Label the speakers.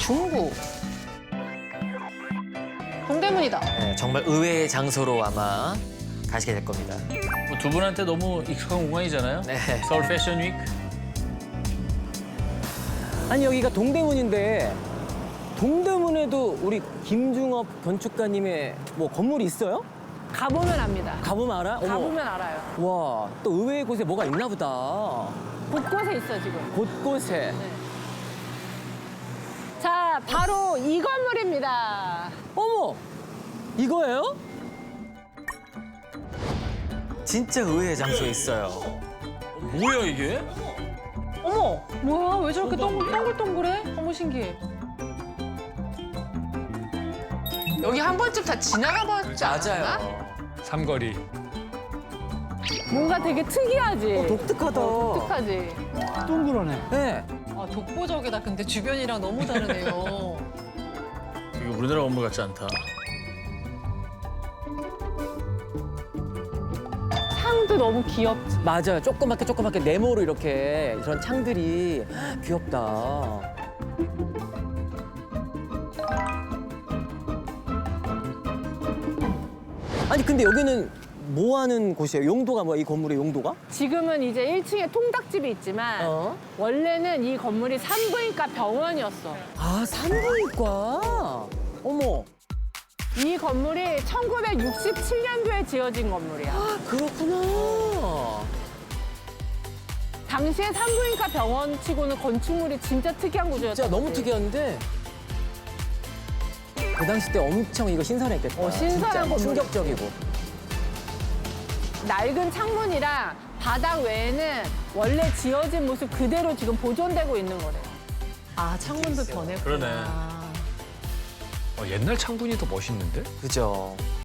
Speaker 1: 중구. 동대문이다.
Speaker 2: 네, 정말 의외의 장소로 아마 가시게 될 겁니다.
Speaker 3: 뭐두 분한테 너무 익숙한 공간이잖아요.
Speaker 2: 네.
Speaker 3: 서울 패션 위크.
Speaker 4: 아니 여기가 동대문인데 동대문에도 우리 김중업 건축가님의 뭐 건물이 있어요?
Speaker 1: 가보면 압니다.
Speaker 4: 가보면 알아? 어머.
Speaker 1: 가보면 알아요.
Speaker 4: 와, 또 의외의 곳에 뭐가 있나 보다.
Speaker 1: 곳곳에 있어 지금.
Speaker 4: 곳곳에.
Speaker 1: 자, 바로 이 건물입니다.
Speaker 4: 어머! 이거예요?
Speaker 2: 진짜 의외의 장소에 있어요.
Speaker 3: 뭐야 이게?
Speaker 1: 어머, 뭐야? 왜 저렇게 동글동글해? 너무 신기해.
Speaker 5: 여기 한 번쯤 다 지나가봤지 않았나?
Speaker 2: 맞아요.
Speaker 3: 삼거리.
Speaker 1: 뭔가 되게 특이하지?
Speaker 4: 독특하다.
Speaker 1: 독특하지?
Speaker 4: 네.
Speaker 5: 아, 독보적이다. 근데 주변이랑 너무 다르네요.
Speaker 3: 이거 우리나라 건물 같지 않다.
Speaker 1: 창도 너무 귀엽지?
Speaker 4: 맞아요. 조그맣게 네모로 이렇게 이런 창들이 귀엽다. 아니 근데 여기는 뭐 하는 곳이에요? 용도가 뭐야? 이 건물의 용도가?
Speaker 1: 지금은 이제 1층에 통닭집이 있지만
Speaker 4: 어?
Speaker 1: 원래는 이 건물이 산부인과 병원이었어.
Speaker 4: 아, 산부인과. 어머,
Speaker 1: 이 건물이 1967년도에 지어진 건물이야.
Speaker 4: 그렇구나.
Speaker 1: 당시에 산부인과 병원치고는 건축물이 진짜 특이한 구조였다.
Speaker 4: 진짜 너무 특이한데 그 당시 때 엄청 이거 신선했겠다.
Speaker 1: 신선한
Speaker 4: 진짜
Speaker 1: 건물이지.
Speaker 4: 충격적이고.
Speaker 1: 낡은 창문이랑 바닥 외에는 원래 지어진 모습 그대로 지금 보존되고 있는 거래요.
Speaker 5: 아, 창문도 변했구나.
Speaker 3: 그러네.
Speaker 6: 옛날 창문이 더 멋있는데?
Speaker 2: 그죠.